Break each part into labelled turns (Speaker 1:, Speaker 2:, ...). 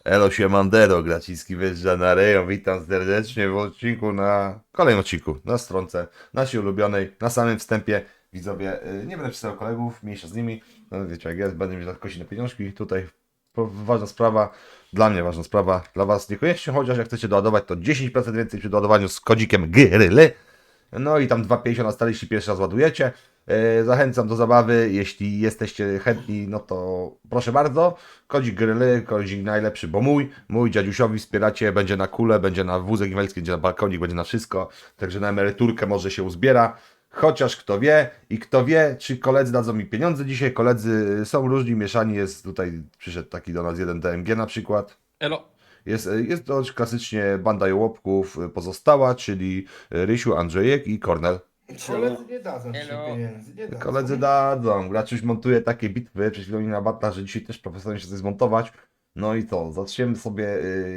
Speaker 1: Elo Siemandero, Graciski wjeżdża na rejon. Witam serdecznie w odcinku kolejnym odcinku, na stronce naszej ulubionej, na samym wstępie. Widzowie, nie będę przedstawiał kolegów, mniejsza z nimi, no wiecie jak jest, będę mieć na kości na pieniążki. Tutaj ważna sprawa, dla mnie ważna sprawa, dla was niekoniecznie, chociaż jak chcecie doładować to 10% więcej przy doładowaniu z kodzikiem GRYLY. No i tam 2,50 na stale, jeśli pierwszy raz ładujecie. Zachęcam do zabawy, jeśli jesteście chętni, no to proszę bardzo. Kodzik gryly, kodzik najlepszy, bo mój dziadusiowi wspieracie, będzie na kulę, będzie na wózek inwalidzki, będzie na balkonik, będzie na wszystko. Także na emeryturkę może się uzbiera. Chociaż kto wie, czy koledzy dadzą mi pieniądze dzisiaj. Koledzy są różni, mieszani jest tutaj, przyszedł taki do nas jeden DMG na przykład.
Speaker 2: Elo.
Speaker 1: Jest to klasycznie banda jołopków pozostała, czyli Rysiu, Andrzejek i Kornel.
Speaker 3: Koledzy nie dadzą ci
Speaker 2: Elo.
Speaker 3: pieniędzy, nie dadzą.
Speaker 1: Koledzy dadzą. Graczuś montuje takie bitwy, przed chwilą mi na batla, że dzisiaj też profesjonalnie się coś zmontować. No i to, zaczniemy sobie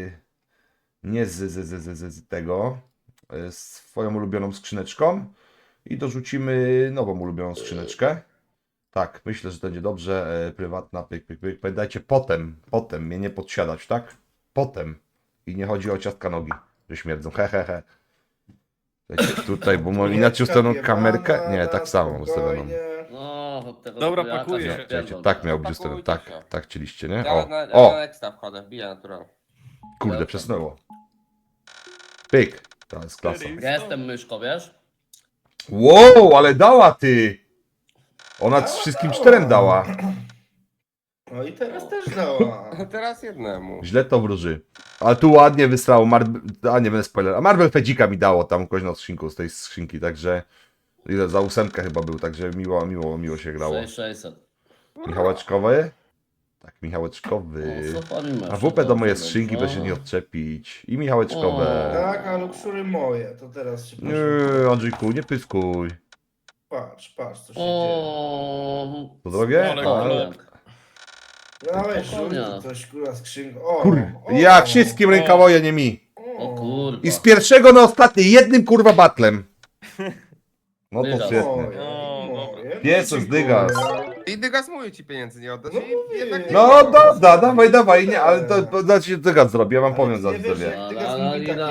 Speaker 1: nie z tego, swoją ulubioną skrzyneczką i dorzucimy nową ulubioną skrzyneczkę. Tak, myślę, że to będzie dobrze. Prywatna, pyk. Pamiętajcie, potem mnie nie podsiadać, tak? Potem. I nie chodzi o ciastka nogi, że śmierdzą. He. Słuchajcie, tutaj, bo inaczej ustawioną kamerkę. Nie, tak samo ustawioną.
Speaker 4: No, od tego
Speaker 2: Dobra,
Speaker 4: trójaka
Speaker 2: pakuję się.
Speaker 1: Słuchajcie, tak miał być ustawiony.
Speaker 2: Pakujcie się.
Speaker 1: Tak chcieliście, nie?
Speaker 5: Ja
Speaker 1: O,
Speaker 5: na
Speaker 1: o,
Speaker 5: Nexta wchodzę, wbiję natural.
Speaker 1: kurde, przesunęło. Pyk, to jest klasa.
Speaker 4: Ja jestem myszką, wiesz?
Speaker 1: Wow, ale dała ty! Ona wszystkim czterem dała.
Speaker 3: No i teraz też dała.
Speaker 5: Teraz jednemu.
Speaker 1: Źle to wróży. Ale tu ładnie wysrało. A nie będę spoiler. A Marvel Fedzika mi dało tam kogoś na skrzynku z tej skrzynki, także ile za 8 chyba był, także miło się grało.
Speaker 4: 6600.
Speaker 1: Michałeczkowy? Tak, Michałeczkowy.
Speaker 4: O, co pani masz?
Speaker 1: A WP do mojej
Speaker 4: Dobrze,
Speaker 1: skrzynki, by się nie odczepić. I Michałeczkowe.
Speaker 3: Tak, a luksury moje, to teraz się proszę.
Speaker 1: Nie, Andrzejku, nie pyskuj.
Speaker 3: Patrz, co się dzieje.
Speaker 4: O,
Speaker 1: To drogie?
Speaker 2: Ale
Speaker 1: A,
Speaker 2: klep.
Speaker 3: Dałeś
Speaker 4: spokojnie.
Speaker 3: żółty coś, kurwa, skrzynką. O,
Speaker 1: Kur...
Speaker 3: o,
Speaker 1: Ja wszystkim rękawoje, nie mi.
Speaker 4: o kurwa.
Speaker 1: I z pierwszego na ostatni, jednym kurwa batlem. No to
Speaker 4: Dygas.
Speaker 1: świetnie.
Speaker 3: Moje,
Speaker 2: O,
Speaker 3: moje.
Speaker 1: Pies
Speaker 3: No,
Speaker 1: z Dygas.
Speaker 3: dziękuję.
Speaker 5: I Dygas mój ci pieniędzy nie oddasz
Speaker 3: No
Speaker 5: i
Speaker 3: mówię.
Speaker 5: jednak nie
Speaker 1: No
Speaker 5: wolno.
Speaker 1: dobra, dawaj, nie, ale to znaczy Dygas zrobię, ja wam
Speaker 3: Ale
Speaker 1: powiem
Speaker 3: ty
Speaker 1: za
Speaker 3: nie wiesz,
Speaker 1: sobie.
Speaker 3: jak Dygas mówi tak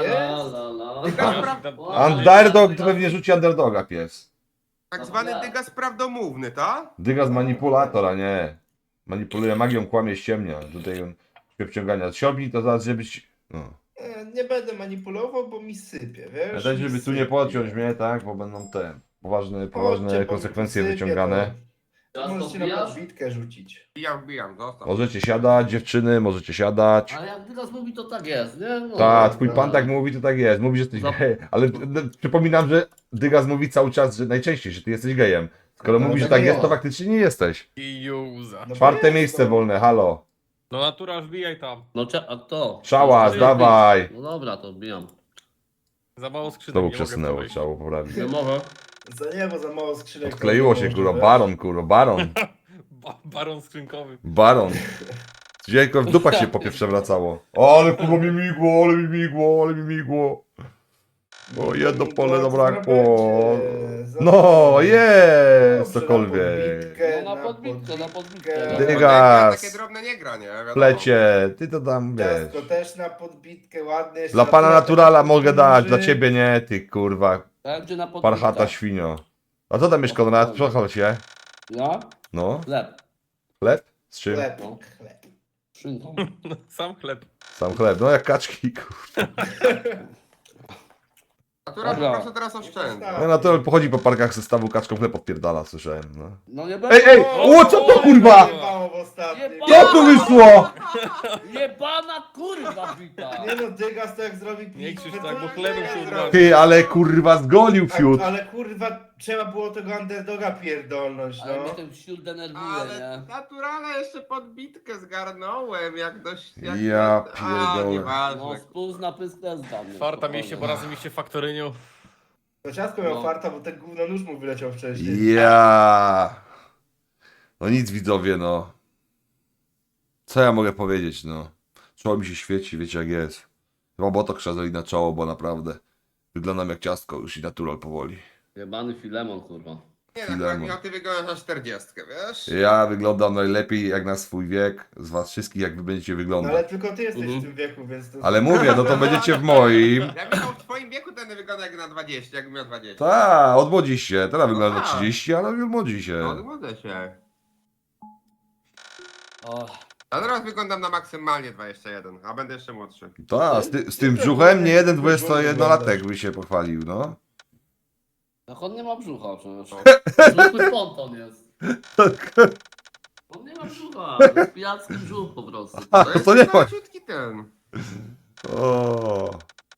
Speaker 3: jest?
Speaker 1: Underdog to pewnie rzuci underdoga pies.
Speaker 5: Tak zwany Dygas prawdomówny, ta?
Speaker 1: Dygas manipulator, a nie. Manipuluje magią, kłamie, ściemnia. Tutaj on wciągania siobni, to zaraz żebyś... No.
Speaker 3: Nie będę manipulował, bo mi sypie, wiesz?
Speaker 1: Ja też, żeby
Speaker 3: Mi
Speaker 1: tu nie
Speaker 3: sypie.
Speaker 1: pociąć mnie, tak, bo będą te poważne
Speaker 3: Chodźcie, bo
Speaker 1: konsekwencje
Speaker 3: mi sypie,
Speaker 1: wyciągane.
Speaker 3: to możecie na podbitkę rzucić.
Speaker 5: Wbijam, zostaw.
Speaker 1: Możecie siadać, dziewczyny, możecie siadać.
Speaker 4: Ale jak teraz mówi, to tak jest, nie? No,
Speaker 1: Tak, twój pan tak mówi, to tak jest. Mówi, że jesteś
Speaker 4: Zap-
Speaker 1: gejem. Ale przypominam, że Dygas mówi cały czas, że najczęściej, że ty jesteś gejem. Skoro
Speaker 3: No,
Speaker 1: mówi, że
Speaker 3: tak
Speaker 1: tak jest, to
Speaker 3: jest.
Speaker 1: faktycznie nie jesteś.
Speaker 2: I Juza.
Speaker 3: No bo
Speaker 1: Czwarte
Speaker 3: jest,
Speaker 1: miejsce
Speaker 3: no.
Speaker 1: wolne, halo.
Speaker 2: No natura, wbijaj tam.
Speaker 4: No a kto?
Speaker 1: Szałas,
Speaker 4: No,
Speaker 1: dawaj.
Speaker 4: No dobra, to wbijam.
Speaker 2: Za mało skrzynek.
Speaker 1: Znowu
Speaker 2: nie mogę
Speaker 1: przesunęło,
Speaker 2: wejść.
Speaker 1: trzeba było poprawić.
Speaker 4: Nie mogę.
Speaker 3: Bo za mało skrzynek.
Speaker 1: Odkleiło
Speaker 3: to
Speaker 1: się,
Speaker 3: nie
Speaker 1: kurwa,
Speaker 3: może,
Speaker 1: baron.
Speaker 2: Baron skrzynkowy.
Speaker 1: Baron. Dziękuję, w dupach się popie przewracało. Ale kurwa mi migło. O, jedno pole zabrakło. No, jest, cokolwiek.
Speaker 4: No na podbitkę.
Speaker 1: Dygas.
Speaker 5: Takie drobne nie gra, nie? Wiadomo.
Speaker 1: Plecie, ty to tam wiesz.
Speaker 3: Ciastko też na podbitkę, ładnie. jeszcze
Speaker 1: Dla pana naturala
Speaker 3: tak
Speaker 1: mogę dać,
Speaker 3: duży.
Speaker 1: dla ciebie nie, ty kurwa,
Speaker 4: Będzie na podbitkę.
Speaker 1: parchata świnio. A co tam jest, Konrad? Przechol się.
Speaker 4: Ja?
Speaker 1: No,
Speaker 4: Chleb.
Speaker 1: chleb? Z czym?
Speaker 3: Chleb,
Speaker 4: No.
Speaker 3: chleb.
Speaker 4: Szynką.
Speaker 2: Sam chleb.
Speaker 1: Sam chleb, no jak kaczki, kurwa.
Speaker 5: Natura po
Speaker 4: Dobra.
Speaker 5: prostu teraz oszczędza.
Speaker 1: No natural pochodzi po parkach zestawu kaczką chleb odpierdala, słyszałem, no.
Speaker 4: No nie będę.
Speaker 1: Ej, o, co to kurwa?
Speaker 3: Jebało w ostatnim.
Speaker 1: Co tu wyszło?
Speaker 4: Jebana kurwa bita.
Speaker 3: Nie no, Dygas to jak zrobi
Speaker 2: Nie
Speaker 3: pizzę,
Speaker 2: krzyż
Speaker 3: to
Speaker 2: tak, bo
Speaker 3: nie
Speaker 2: chlebem się
Speaker 3: zrobi.
Speaker 2: ubrał.
Speaker 1: Ty, ale kurwa zgolił fiut.
Speaker 3: Ale kurwa, trzeba było tego underdoga pierdolnąć,
Speaker 4: Ale mnie
Speaker 3: no.
Speaker 4: ten wśród denerwuje,
Speaker 5: Ale
Speaker 4: nie?
Speaker 5: naturalnie jeszcze podbitkę zgarnąłem, jak dość... Jak
Speaker 1: Ja
Speaker 5: A,
Speaker 1: pierdolę.
Speaker 4: No
Speaker 5: nieważne.
Speaker 4: spół na pysk też dla mnie.
Speaker 2: Farta mieliście, bo razem mieliście faktoryniu.
Speaker 3: To ciastko miał
Speaker 4: No.
Speaker 3: farta, bo ten gówno nóż mu wyleciał wcześniej.
Speaker 1: Ja. No nic widzowie, no. Co ja mogę powiedzieć, no. Czoło mi się świeci, wiecie jak jest. Chyba botok trzeba na czoło, bo naprawdę wyglądam jak ciastko już i natural powoli.
Speaker 4: Jebany Filemon kurwa.
Speaker 5: Nie, tak
Speaker 1: Filemon.
Speaker 5: jak ty wyglądasz na 40, wiesz?
Speaker 1: Ja wyglądam najlepiej jak na swój wiek z was wszystkich, jak wy będziecie
Speaker 3: No ale
Speaker 1: wyglądać.
Speaker 3: tylko ty jesteś
Speaker 4: Mhm.
Speaker 3: w tym wieku, więc to...
Speaker 1: Ale mówię, no to będziecie w moim.
Speaker 5: Ja bym w twoim wieku ten wygląda jak na 20, jakbym miał 20.
Speaker 1: Tak, odmłodzi się. Teraz wygląda na
Speaker 5: tak.
Speaker 1: 30, ale odmłodzi
Speaker 5: No,
Speaker 1: się.
Speaker 5: odmłodzę się.
Speaker 4: O,
Speaker 5: A teraz wyglądam na maksymalnie 21, a będę jeszcze młodszy.
Speaker 1: Tak, z tym brzuchem nie jeden 21-latek by się pochwalił, no.
Speaker 4: jak on nie ma brzucha przecież. Zwykły ponton jest. On nie ma brzucha, to jest pijacki brzuch po prostu.
Speaker 1: A,
Speaker 5: To jest
Speaker 1: to nie ma.
Speaker 5: leciutki ten.
Speaker 1: O.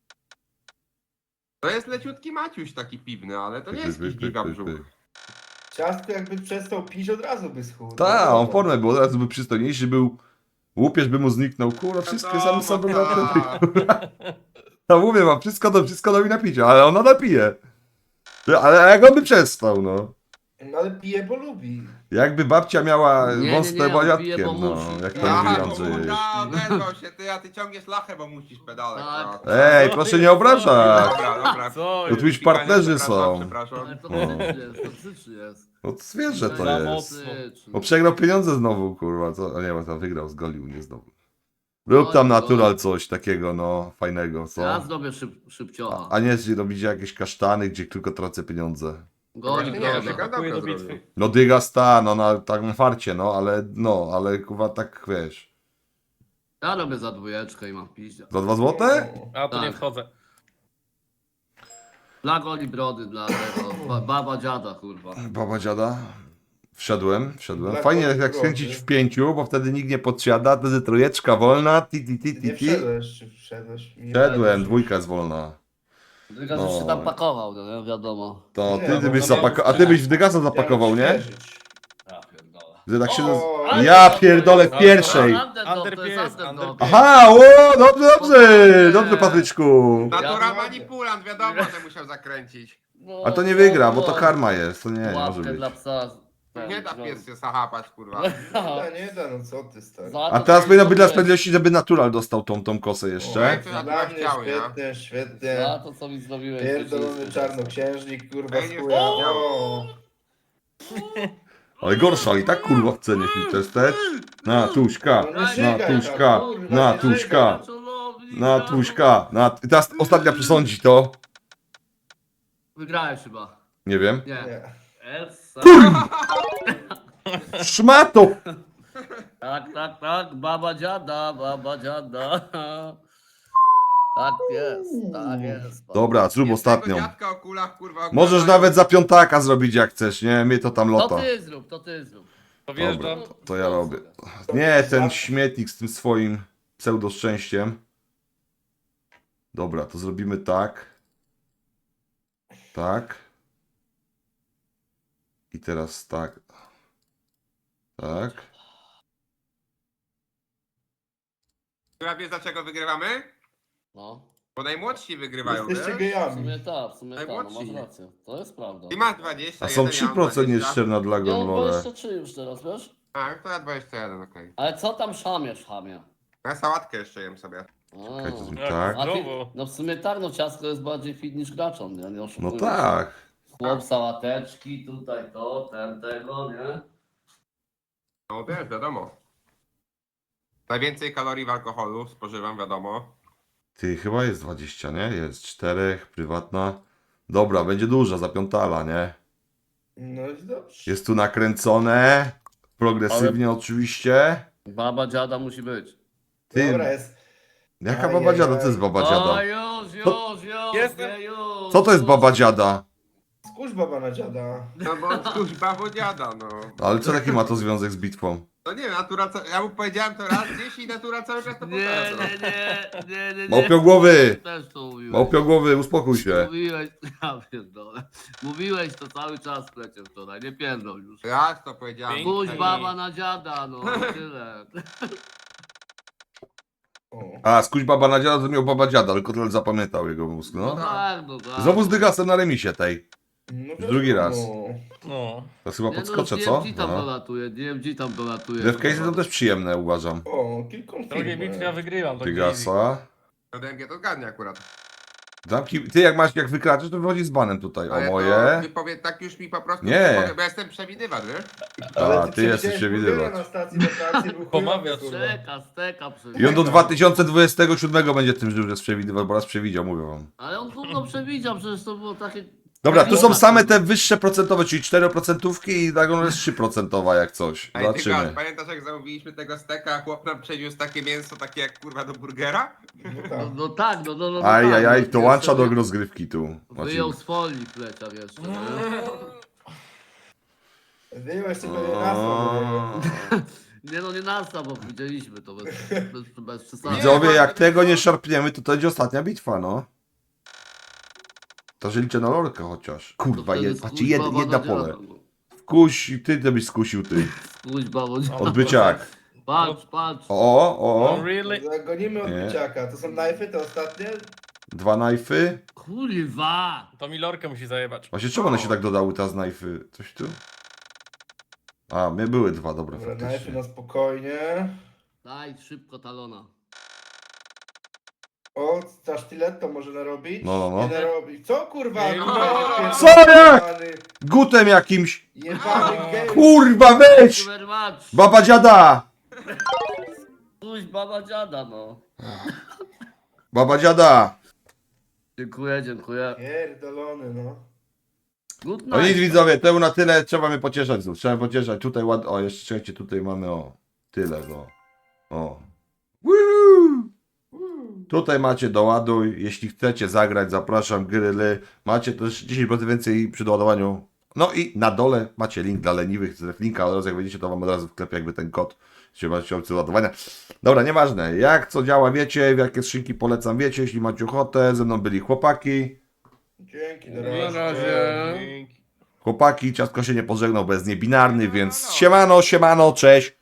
Speaker 5: To jest leciutki Maciuś taki piwny, ale to nie jest jakiś giga brzuch.
Speaker 3: Ciastko jakby przestał pić, od razu by schudł.
Speaker 1: Tak, on w formie był, od razu by przystojniejszy był. Łupież by mu zniknął, kurwa, wszystkie same sobie na ten. No mówię wam, wszystko do mi napicia, ale ona napije. Ale jak on by przestał, no.
Speaker 3: No ale pije, bo lubi.
Speaker 1: Jakby babcia miała
Speaker 4: Nie,
Speaker 1: wąstre
Speaker 4: on pije,
Speaker 1: baniatkiem,
Speaker 4: bo
Speaker 1: no.
Speaker 4: musi.
Speaker 1: Jak to
Speaker 5: Aha,
Speaker 1: mówi
Speaker 5: bo
Speaker 1: Andrzej.
Speaker 5: odezwał się, a ty ciągniesz lachę, bo musisz pedale.
Speaker 4: Tak.
Speaker 5: no.
Speaker 1: Ej, proszę nie obrażać.
Speaker 5: Dobra.
Speaker 2: Co
Speaker 1: To
Speaker 2: jest?
Speaker 1: tu już partnerzy
Speaker 5: Przepraszam,
Speaker 1: są.
Speaker 5: Przepraszam.
Speaker 4: Ale to
Speaker 1: No.
Speaker 4: toksyczny jest.
Speaker 1: No to zwierzę to
Speaker 2: Za
Speaker 1: jest.
Speaker 2: mocno.
Speaker 1: Bo przegrał pieniądze znowu, kurwa. Co? A nie, bo tam wygrał, zgolił mnie znowu. Rób tam natural coś takiego, no, fajnego,
Speaker 4: Ja
Speaker 1: co?
Speaker 4: zrobię szybciocha.
Speaker 1: A nie, że robicie jakieś kasztany, gdzie tylko tracę pieniądze.
Speaker 4: Goli
Speaker 5: Nie,
Speaker 4: proszę.
Speaker 5: Dyga
Speaker 2: Pakuje
Speaker 5: dobrze
Speaker 2: do bitwy.
Speaker 5: zrobił.
Speaker 1: No dyga sta, no na tak na farcie, no, ale kurwa tak wiesz.
Speaker 4: Ja robię za dwójeczkę i mam piździa.
Speaker 1: Za 2 złote?
Speaker 2: A to nie
Speaker 4: Tak.
Speaker 2: wchodzę.
Speaker 4: Dla goli brody, dla tego. Baba dziada, kurwa.
Speaker 1: Baba dziada. Wszedłem.
Speaker 3: Dla
Speaker 1: Fajnie
Speaker 3: kogo
Speaker 1: jak
Speaker 3: brody?
Speaker 1: skręcić w 5, bo wtedy nikt nie podsiada, wtedy trójeczka wolna,
Speaker 3: Nie wszedłeś, czy wszedłeś? Nie
Speaker 1: Wszedłem,
Speaker 3: wszedłeś.
Speaker 1: dwójka jest wolna.
Speaker 4: Dyga
Speaker 1: No.
Speaker 4: już się tam pakował, no nie wiadomo.
Speaker 1: To
Speaker 3: Nie,
Speaker 1: ty
Speaker 3: bo
Speaker 1: byś
Speaker 3: to
Speaker 1: zapakował, a ty byś w dygasa zapakował, nie?
Speaker 3: Świeżyć.
Speaker 4: Ja pierdolę.
Speaker 1: Że tak się...
Speaker 3: O,
Speaker 4: ale-
Speaker 1: Ja pierdolę w pierwszej.
Speaker 2: Under
Speaker 4: To jest
Speaker 2: pies,
Speaker 4: underdog.
Speaker 2: under pies.
Speaker 1: Aha, o, dobrze, Patryczku.
Speaker 5: Natura
Speaker 4: Ja-
Speaker 5: manipulant, wiadomo, że musiał zakręcić.
Speaker 4: No,
Speaker 1: A to nie wygra, bo to karma jest, to nie może
Speaker 4: Łapkę
Speaker 1: być.
Speaker 4: dla psa.
Speaker 5: Nie da pies się zahapać, kurwa.
Speaker 3: Nie da, no co ty stary.
Speaker 1: A teraz powinno być dla sprawiedliwości, żeby natural dostał tą kosę jeszcze.
Speaker 5: Ej, to ja
Speaker 3: Dla
Speaker 5: tu
Speaker 3: mnie
Speaker 5: chciał, nie?
Speaker 3: świetnie, świetnie.
Speaker 4: Za to co mi zrobiłeś.
Speaker 3: Pierdolony czarnoksiężnik, kurwa,
Speaker 5: Ej,
Speaker 3: z
Speaker 5: nie
Speaker 3: chuja.
Speaker 5: chciał.
Speaker 3: O.
Speaker 1: Ale gorsza, i tak kurwa w cenie filtester. Na tuśka,
Speaker 3: No nie
Speaker 1: na
Speaker 3: żygaj
Speaker 1: tuśka,
Speaker 3: tam, kurwa,
Speaker 1: na
Speaker 3: nie
Speaker 1: tuśka, na tuśka. I teraz ostatnia przesądzi to.
Speaker 4: Wygrałeś chyba.
Speaker 1: Nie wiem.
Speaker 4: Nie.
Speaker 3: Nie.
Speaker 4: Essa.
Speaker 1: Szmato!
Speaker 4: Tak. Baba dziada, baba dziada. Tak jest.
Speaker 1: Dobra, zrób
Speaker 5: Jest tego
Speaker 1: ostatnią.
Speaker 5: dziadka o kulach, kurwa,
Speaker 1: Możesz
Speaker 5: oglądają.
Speaker 1: nawet za piątaka zrobić jak chcesz, nie? Mnie to tam
Speaker 4: To
Speaker 1: lota.
Speaker 4: ty zrób, to ty zrób.
Speaker 1: Dobra,
Speaker 2: Powierzcham.
Speaker 1: to ja robię. Nie, ten śmietnik z tym swoim pseudo szczęściem. Dobra, to zrobimy tak. Tak. I teraz tak. Tak.
Speaker 5: Która wiesz dlaczego wygrywamy?
Speaker 4: No.
Speaker 5: Bo najmłodsi wygrywają,
Speaker 3: Jesteście
Speaker 5: wiesz?
Speaker 4: W
Speaker 3: gejami.
Speaker 4: sumie tak, no
Speaker 5: Najmłodsi.
Speaker 4: masz rację. To jest prawda.
Speaker 5: Ty masz 20,
Speaker 1: A są
Speaker 5: jeden, ja mam
Speaker 1: 3%
Speaker 5: 20.
Speaker 1: nieszczerna dla
Speaker 4: Ja mam
Speaker 1: Gonlore.
Speaker 4: 23 już teraz, wiesz?
Speaker 5: A, to ja 21, okej.
Speaker 4: Ale co tam szamiesz, chamie?
Speaker 5: Ja sałatkę jeszcze jem sobie.
Speaker 1: Czekaj, to zrób
Speaker 2: Jak
Speaker 1: tak.
Speaker 4: A ty,
Speaker 2: zdrowo.
Speaker 4: no w sumie tak, no ciastko jest bardziej fit niż graczon, nie? Nie
Speaker 1: No
Speaker 4: oszukujmy się.
Speaker 1: tak.
Speaker 4: Chłop, sałateczki, tutaj to, tego, nie?
Speaker 5: No wiesz, wiadomo. Najwięcej kalorii w alkoholu spożywam, wiadomo.
Speaker 1: Ty, chyba jest 20, nie? Jest 4, prywatna. Dobra, będzie duża, za piątala, nie?
Speaker 3: No i dobrze.
Speaker 1: Jest tu nakręcone. Progresywnie oczywiście.
Speaker 4: Baba dziada musi być.
Speaker 1: Ty,
Speaker 3: Dobra, jest.
Speaker 1: jaka baba dziada? Co to jest baba
Speaker 4: O,
Speaker 1: dziada?
Speaker 4: już,
Speaker 2: Jestem.
Speaker 4: nie, już.
Speaker 1: Co to jest baba dziada?
Speaker 3: Skórz baba na dziada.
Speaker 5: No bo kuźba wodziada, no.
Speaker 1: Ale co taki ma to związek z bitwą?
Speaker 5: No nie wiem, natura, ja mu powiedziałem to raz gdzieś i natura cały czas to
Speaker 4: Nie,
Speaker 5: powtarza.
Speaker 4: nie.
Speaker 1: Małpiogłowy!
Speaker 4: Też to mówiłeś.
Speaker 1: Małpiogłowy, uspokój się.
Speaker 4: Mówiłeś, ja pierdolę. Mówiłeś to cały czas plecie wczoraj, nie pierdol już.
Speaker 5: Raz to powiedziałem.
Speaker 2: Pięknie.
Speaker 4: Pójdź baba na dziada, no tyle.
Speaker 3: O.
Speaker 1: A, skuć baba na dziada, to miał baba dziada, tylko tyle zapamiętał jego mózg,
Speaker 4: No
Speaker 1: no.
Speaker 4: tak, no tak.
Speaker 1: Znowu z dygasem na remisie tej.
Speaker 3: No
Speaker 1: Drugi raz.
Speaker 2: No.
Speaker 1: To chyba
Speaker 4: Nie,
Speaker 1: podskoczę,
Speaker 4: no,
Speaker 1: co?
Speaker 4: DMG tam
Speaker 1: No.
Speaker 4: dolatuje, DMG tam dolatuje.
Speaker 1: Devcase to też przyjemne, uważam.
Speaker 3: O, kilką
Speaker 2: W drugiej bitwie ja wygrywam. to easy.
Speaker 1: Dygasa.
Speaker 5: No DMG to zgadnie akurat.
Speaker 1: Ty jak wykraczysz, to wychodzi z banem tutaj. O
Speaker 5: Ale
Speaker 1: moje.
Speaker 5: to wypowiedz, tak już mi po prostu
Speaker 1: Nie.
Speaker 5: mogę, bo ja jestem przewidywacz, wiesz?
Speaker 1: A, ty
Speaker 3: przewidziałeś
Speaker 1: jesteś przewidywacz.
Speaker 3: burgera na stacji wakacji, był
Speaker 2: Pomawiasz.
Speaker 3: chujowy, kurwa.
Speaker 4: Steka
Speaker 1: I on do 2027 będzie tym, że już jest przewidywał, bo raz przewidział, mówię wam.
Speaker 4: Ale on gówno przewidział, przecież to było takie...
Speaker 1: Dobra, tu są same te wyższe procentowe, czyli 4% i tak on jest 3% jak coś.
Speaker 5: Ej, ty God,
Speaker 1: Zobaczymy.
Speaker 5: pamiętasz jak zamówiliśmy tego steka, a chłop nam przeniósł takie mięso, takie jak kurwa do burgera?
Speaker 3: No tak.
Speaker 4: No.
Speaker 1: Ajajaj,
Speaker 4: tak,
Speaker 1: to
Speaker 4: no,
Speaker 1: łącza do
Speaker 4: jeszcze
Speaker 1: rozgrywki tu.
Speaker 4: Wyjął z folii plecak jeszcze. nie?
Speaker 3: Wyjął jeszcze pewnie nazwę.
Speaker 4: Nie no, nie nasta, bo widzieliśmy to bez przesady.
Speaker 1: Widzowie, jak tego nie szarpniemy, to będzie ostatnia bitwa, no. To że liczę na lorkę chociaż. Kurwa, patrzcie, jedna pole. Kuś, ty to byś skusił, ty.
Speaker 4: Kuźba, bo...
Speaker 1: Odbyciak.
Speaker 4: Patrz.
Speaker 1: O.
Speaker 2: Really?
Speaker 3: Zagonimy od
Speaker 1: Nie.
Speaker 3: biciaka. To są knifey, te ostatnie?
Speaker 1: 2 knifey.
Speaker 4: Kurwa!
Speaker 2: To mi lorkę musi zajebać.
Speaker 1: Właśnie czemu one się tak dodały, ta z knifey? Coś tu? A, mnie były 2, dobra,
Speaker 3: Dobra, knifey
Speaker 1: faktycznie.
Speaker 3: na spokojnie.
Speaker 4: Daj szybko talona.
Speaker 3: O, ta sztyletto może narobić?
Speaker 1: No.
Speaker 3: Nie narobi. Co kurwa?
Speaker 2: Nie,
Speaker 1: Co jak? Gutem jakimś.
Speaker 3: Jebany gej.
Speaker 1: Kurwa, weź!
Speaker 4: Super match!
Speaker 1: Baba dziada!
Speaker 4: Baba dziada, no.
Speaker 1: Baba dziada!
Speaker 4: Dziękuję.
Speaker 3: Pierdolony, no.
Speaker 4: Good
Speaker 1: No nic
Speaker 4: night.
Speaker 1: widzowie, to na tyle, trzeba mnie pocieszać znów, trzeba mnie pocieszać, tutaj ładnie, o jeszcze czekajcie, tutaj mamy tyle, o. Woo! Tutaj macie doładuj, jeśli chcecie zagrać, zapraszam, gryly, macie też 10% więcej przy doładowaniu, no i na dole macie link dla leniwych, linka od razu jak wejdziecie, to wam od razu wklepie jakby ten kod, jeśli macie opcję ładowania. Dobra, nieważne, jak co działa wiecie, w jakie skrzynki polecam wiecie, jeśli macie ochotę, ze mną byli chłopaki.
Speaker 3: Dzięki, na
Speaker 5: Na
Speaker 3: razie.
Speaker 5: razie.
Speaker 1: Chłopaki, ciastko się nie pożegnał, bo jest niebinarny, więc siemano, cześć.